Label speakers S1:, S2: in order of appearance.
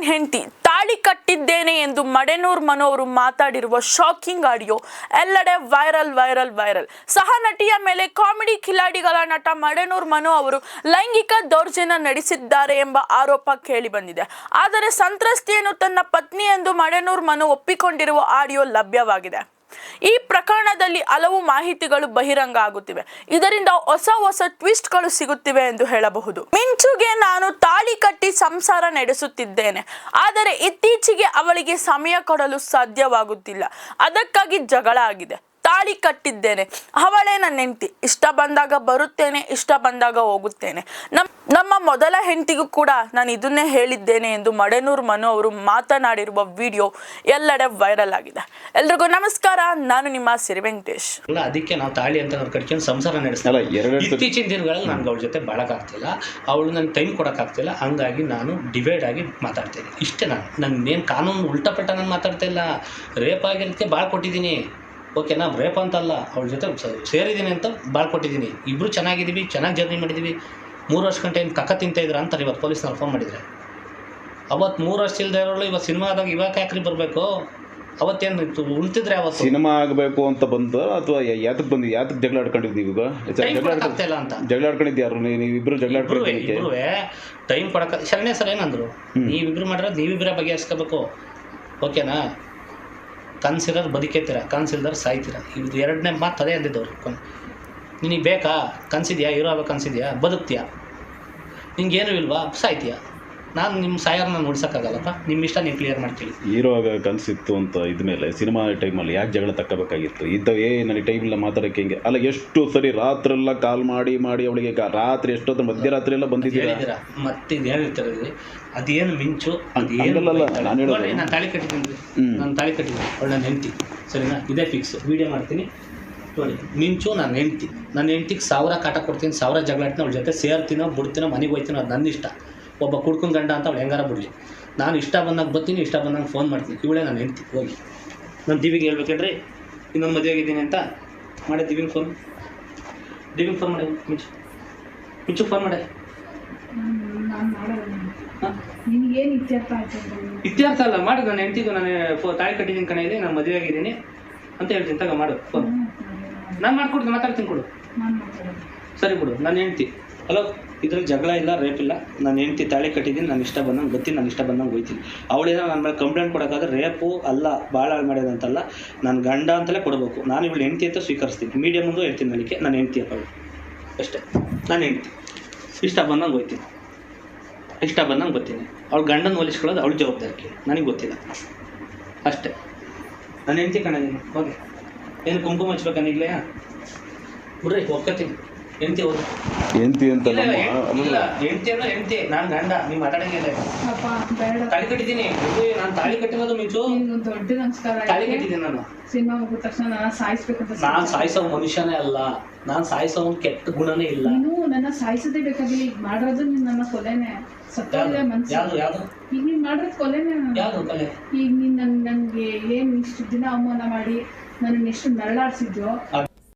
S1: ಹೆಂಡತಿ ತಾಳಿ ಕಟ್ಟಿದ್ದೇನೆ ಎಂದು ಮಡೆನೂರ್ ಮನು ಅವರು ಮಾತಾಡಿರುವ ಶಾಕಿಂಗ್ ಆಡಿಯೋ ಎಲ್ಲೆಡೆ ವೈರಲ್. ಸಹ ನಟಿಯ ಮೇಲೆ ಕಾಮಿಡಿ ಕಿಲಾಡಿಗಳ ನಟ ಮಡೆನೂರ್ ಮನು ಅವರು ಲೈಂಗಿಕ ದೌರ್ಜನ್ಯ ನಡೆಸಿದ್ದಾರೆ ಎಂಬ ಆರೋಪ ಕೇಳಿ ಬಂದಿದೆ. ಆದರೆ ಸಂತ್ರಸ್ತೆಯನ್ನು ತನ್ನ ಪತ್ನಿ ಎಂದು ಮಡೆನೂರ್ ಮನು ಒಪ್ಪಿಕೊಂಡಿರುವ ಆಡಿಯೋ ಲಭ್ಯವಾಗಿದೆ. ಈ ಪ್ರಕರಣದಲ್ಲಿ ಹಲವು ಮಾಹಿತಿಗಳು ಬಹಿರಂಗ ಆಗುತ್ತಿವೆ. ಇದರಿಂದ ಹೊಸ ಟ್ವಿಸ್ಟ್ಗಳು ಸಿಗುತ್ತಿವೆ ಎಂದು ಹೇಳಬಹುದು. ಮಿಂಚುಗೆ ನಾನು ತಾಳಿ ಕಟ್ಟಿ ಸಂಸಾರ ನಡೆಸುತ್ತಿದ್ದೇನೆ, ಆದರೆ ಇತ್ತೀಚೆಗೆ ಅವಳಿಗೆ ಸಮಯ ಕೊಡಲು ಸಾಧ್ಯವಾಗುತ್ತಿಲ್ಲ. ಅದಕ್ಕಾಗಿ ಜಗಳ ಆಗಿದೆ. ತಾಳಿ ಕಟ್ಟಿದ್ದೇನೆ, ಅವಳೇ ನನ್ನ ಹೆಂಡತಿ. ಇಷ್ಟ ಬಂದಾಗ ಬರುತ್ತೇನೆ, ಇಷ್ಟ ಬಂದಾಗ ಹೋಗುತ್ತೇನೆ. ನಮ್ಮ ಮೊದಲ ಹೆಂಡತಿಗೂ ಕೂಡ ನಾನು ಇದನ್ನೇ ಹೇಳಿದ್ದೇನೆ ಎಂದು ಮಡೆನೂರ್ ಮನು ಅವರು ಮಾತನಾಡಿರುವ ವಿಡಿಯೋ ಎಲ್ಲೆಡೆ ವೈರಲ್ ಆಗಿದೆ. ಎಲ್ರಿಗೂ ನಮಸ್ಕಾರ, ನಾನು ನಿಮ್ಮ ಸಿರಿ ವೆಂಕಟೇಶ್.
S2: ಅದಕ್ಕೆ ನಾವು ತಾಳಿ ಅಂತ ಕಟ್ಕೊಂಡು ಸಂಸಾರ ನಡೆಸ್ತಾರೆ. ಇತ್ತೀಚಿನ ದಿನಗಳಲ್ಲಿ ನನಗೆ ಅವಳ ಜೊತೆ ಬಾಳಕ್ಕಾಗ್ತಿಲ್ಲ, ಅವಳು ನನಗೆ ಟೈಮ್ ಕೊಡೋಕ್ಕಾಗ್ತಿಲ್ಲ. ಹಂಗಾಗಿ ನಾನು ಡಿವೈಡ್ ಆಗಿ ಮಾತಾಡ್ತೇನೆ. ಇಷ್ಟೇ. ನನ್ನೇನು ಕಾನೂನು ಉಲ್ಟಾಪಟ್ಟ ನಾನು ಮಾತಾಡ್ತಾ ಇಲ್ಲ. ರೇಪ್ ಆಗಿರೋದಕ್ಕೆ ಭಾಳ ಕೊಟ್ಟಿದ್ದೀನಿ, ಓಕೆನಾ? ರೇಪ್ ಅಂತಲ್ಲ, ಅವಳ ಜೊತೆ ಸೇರಿದ್ದೀನಿ ಅಂತ ಭಾಳ ಕೊಟ್ಟಿದ್ದೀನಿ. ಇಬ್ಬರು ಚೆನ್ನಾಗಿದ್ದೀವಿ, ಚೆನ್ನಾಗಿ ಜರ್ನಿ ಮಾಡಿದ್ದೀವಿ. 3 ವರ್ಷ ಗಂಟೆ ಏನು ಕಕ್ಕ ತಿಂತಾಯಿದ್ರು ಅಂತಾರೆ. ಇವತ್ತು ಪೊಲೀಸ್ನವ್ರು ಫೋನ್ ಮಾಡಿದರೆ, ಅವತ್ತು 3 ವರ್ಷ ಇಲ್ಲದೆ ಇರೋಳು ಇವತ್ತು ಸಿನಿಮಾದಾಗ ಇವಾಗ ಯಾಕ್ರಿ ಬರಬೇಕು? ಅವತ್ತೇನು ಉಣ್ತಿದ್ರೆ ಅವತ್ತು
S3: ಸಿನಿಮಾ ಆಗಬೇಕು ಅಂತ ಬಂದು ಅಥವಾ ಯಾತಕ್ಕೆ ಬಂದು ಯಾತಕ್ಕೆ ಜಗಳ ಆಡ್ಕೊಂಡಿದ್ದು ನೀವು?
S2: ಆಗ್ತಾಯಿಲ್ಲ ಅಂತ
S3: ಜಗಳ ಆಡ್ಕೊಂಡಿದ್ದು ಯಾರು? ನೀವಿಬ್ಬರು ಜಗಳ
S2: ಇಬ್ಬರು ಟೈಮ್ ಕೊಡೋಕೆ ಶರಣ್ಯ ಸರ್ ಏನಂದ್ರು, ನೀವಿಬ್ಬರು ಮಾಡಿರೋದು ನೀವಿಬ್ಬರೇ ಬಗೆಹರಿಸ್ಕೋಬೇಕು, ಓಕೆನಾ? ಕನ್ಸಿಲ್ಲರ್ ಬದುಕೇತೀರ, ಕನ್ಸಿಲ್ದರ್ ಸಾಯ್ತೀರ. ಇದು ಎರಡನೇ ಮಾತು ಅದೇ ಅಂದಿದ್ದವ್ರು. ನಿನಗೆ ಬೇಕಾ? ಕನ್ಸಿದ್ಯಾ? ಹೀರೋ ಆಗೋ ಕನ್ಸಿದ್ಯಾ? ಬದುಕ್ತೀಯಾ? ನಿಂಗೇನು ಇಲ್ವಾ? ಸಾಯ್ತೀಯಾ? ನಾನು ನಿಮ್ಮ ಸಾಯರ್ನ ಉಳಿಸೋಕ್ಕಾಗಲ್ಲಪ್ಪ. ನಿಮ್ಮ ಇಷ್ಟ ನೀವು ಕ್ಲಿಯರ್ ಮಾಡ್ತೀವಿ.
S3: ಹೀರೋ ಆಗ ಕನಸಿತ್ತು ಅಂತ ಇದ್ಮೇಲೆ ಸಿನಿಮಾ ಟೈಮಲ್ಲಿ ಯಾಕೆ ಜಗಳ ತಕ್ಕಬೇಕಾಗಿತ್ತು? ಇದ್ದವೇ ನನಗೆ ಟೈಮಿಲ್ಲ ಮಾತಾಡೋಕ್ಕೆ. ಹಿಂಗೆ ಅಲ್ಲ, ಎಷ್ಟು ಸರಿ ರಾತ್ರೆಲ್ಲ ಕಾಲ್ ಮಾಡಿ ಅವಳಿಗೆ ರಾತ್ರಿ ಎಷ್ಟೊತ್ತು ಮಧ್ಯರಾತ್ರಿ ಎಲ್ಲ ಬಂದಿದ್ದೀರಾ?
S2: ಮತ್ತೆ ಇದೇನು ಹೇಳ್ತಾರೆ, ಅದೇನು ಮಿಂಚು, ಅದೇನು
S3: ನಾನು ಹೇಳೋದು,
S2: ನಾನು ತಾಳಿ ಕಟ್ಟಿದ್ದೀನಿ. ನಾನು ತಾಳಿ ಕಟ್ಟಿದ್ದೀನಿ, ಅವಳು ನನ್ನ ಹೆಂಡತಿ, ಸರಿನಾ? ಇದೇ ಫಿಕ್ಸ್. ವೀಡಿಯೋ ಮಾಡ್ತೀನಿ ನೋಡಿ. ಮಿಂಚು ನನ್ನ ಹೆಂಡತಿ. ನನ್ನ ಹೆಂಡತಿಗೆ 1000 ಕಾಟ ಕೊಡ್ತೀನಿ, 1000 ಜಗಳ ಆಡ್ತೀನಿ. ಅವಳ ಜೊತೆ ಸೇರ್ತೀನೋ ಬಿಡ್ತೀನೋ, ಮನೆಗೆ ಹೋಗ್ತೀನೋ, ಅದು ನನ್ನ ಇಷ್ಟ. ಒಬ್ಬ ಕುಡ್ಕೊಂಡು ಗಂಡ ಅಂತ ಅವಳು ಹೆಂಗಾರ ಬಿಡಲಿ. ನಾನು ಇಷ್ಟ ಬಂದಾಗ ಬರ್ತೀನಿ, ಇಷ್ಟ ಬಂದಾಗ ಫೋನ್ ಮಾಡ್ತೀನಿ. ಇವಳೇ ನಾನು ಹೆಂಡ್ತಿ. ಹೋಗಿ ನಾನು ದಿವಿಗೆ ಹೇಳ್ಬೇಕೇಳ್ರಿ, ಇನ್ನೊಂದು ಮದುವೆ ಆಗಿದ್ದೀನಿ ಅಂತ ಮಾಡಿ ದಿವಿಗೆ ಫೋನ್ ಮಾಡಿ. ಮಿಂಚು ಫೋನ್ ಮಾಡಿ. ಇತ್ಯರ್ಥ ಅಲ್ಲ, ಮಾಡಿ. ನಾನು ಹೆಂಡ್ತಿಗೂ ನಾನು ತಾಳಿ ಕಟ್ಟಿದ್ದೀನಿ ಕಣ, ಇದೆ ನಾನು ಮದುವೆ ಆಗಿದ್ದೀನಿ ಅಂತ ಹೇಳ್ತೀನಿ. ತಗ ಮಾಡು ಫೋನ್. ನಾನು ಮಾಡ್ಕೊಡ್ತೀನಿ, ಮಾತಾಡ್ತೀನಿ, ಕೊಡು. ಸರಿ ಬಿಡು. ನನ್ನ ಹೆಂಡ್ತಿ. ಹಲೋ, ಇದ್ರಲ್ಲಿ ಜಗಳ ಇಲ್ಲ, ರೇಪ್ ಇಲ್ಲ. ನಾನು ಹೆಂಡ್ತಿ ತಾಳಿ ಕಟ್ಟಿದ್ದೀನಿ, ನಾನು ಇಷ್ಟ ಬಂದಂಗೆ ಬರ್ತೀನಿ, ನಾನು ಇಷ್ಟ ಬಂದಂಗೆ ಹೋಗ್ತೀನಿ. ಅವಳೇನೋ ನನ್ನ ಮೇಲೆ ಕಂಪ್ಲೇಂಟ್ ಕೊಡೋಕ್ಕಾದ್ರೆ ರೇಪು ಅಲ್ಲ, ಭಾಳ ಹಾಳು ಮಾಡೋದಂತಲ್ಲ, ನಾನು ಗಂಡ ಅಂತಲೇ ಕೊಡಬೇಕು. ನಾನು ಇವಳು ಹೆಂಡ್ತಿ ಅಂತ ಸ್ವೀಕರಿಸ್ತೀನಿ. ಮೀಡಿಯಾ ಮುಂದೆ ಹೇಳ್ತೀನಿ, ನನಗೆ ನಾನು ಹೆಂಡ್ತಿ ಅವಳು ಅಷ್ಟೇ. ನಾನು ಹೆಂಡ್ತಿ, ಇಷ್ಟ ಬಂದಂಗೆ ಹೋಗ್ತೀನಿ, ಇಷ್ಟ ಬಂದಂಗೆ ಬರ್ತೀನಿ. ಅವಳು ಗಂಡನ ಹೋಲಿಸ್ಕೊಳ್ಳೋದು ಅವಳ ಜವಾಬ್ದಾರಿ, ನನಗೆ ಗೊತ್ತಿಲ್ಲ ಅಷ್ಟೇ. ನಾನು ಹೆಂಡ್ತಿ ಕಾಣಿದ್ದೀನಿ. ಹೋಗಿ ಏನು ಕುಂಕುಮ ಹಚ್ಬೇಕನ್ನಿಗ್ಲೇ? ಬಿಡ್ರಿ, ಒಪ್ಕೋತೀನಿ. ಹೆಂಡ್ತಿ ಹೋದ
S3: ಹೆಂಡ್ತಿ ಅಂತ
S2: ಹೆಂಡ್ತಿ ಅನ್ನೋ ಹೆಂಡ್ತಿ, ನಾನು ಗಂಡ. ನೀವು ಮಾತಾಡಂಗಿಲ್ಲ. ತಾಳಿ ಕಟ್ಟಿದ್ದೀನಿ. ನಾನು ತಾಳಿ ಕಟ್ಟಿರೋದು ಮಿಂಚು,
S4: ದೊಡ್ಡ ನಮಸ್ಕಾರ.
S2: ತಾಳಿ ಕಟ್ಟಿದ್ದೀನಿ. ನಾನು
S4: ಸಿನಿಮಾ ಮುಗಿದ ತಕ್ಷಣ ನಾನು ಸಾಯಿಸ್ಬೇಕಂತ.
S2: ನಾನು ಸಾಯಿಸೋ ಮನುಷ್ಯನೇ ಅಲ್ಲ, ನಾನು ಸಾಯಿಸೋ ಕೆಟ್ಟ ಗುಣನೇ ಇಲ್ಲ.
S4: ನೀನು ನನ್ನ ಸಾಯಿಸೋದೇ ಬೇಕಾಗಿಲ್ಲ. ಈಗ ಮಾಡಿರೋದು ನೀನು ನನ್ನ ಕೊಲೆನೆ. ಸತ್ತೋಗಿದೆ ಮನ್ಸು.
S2: ಯಾವುದು
S4: ಈಗ ನೀನು ಮಾಡಿರೋದು ಕೊಲೆನೆ.
S2: ಯಾವುದು ಕೊಲೆ?
S4: ಈಗ ನೀನು ನನಗೆ ಏನು ಇಷ್ಟು ದಿನ ಅವಮಾನ ಮಾಡಿ ನನ್ನ ಎಷ್ಟು ನರಳಾಡ್ಸಿದ್ಯೋ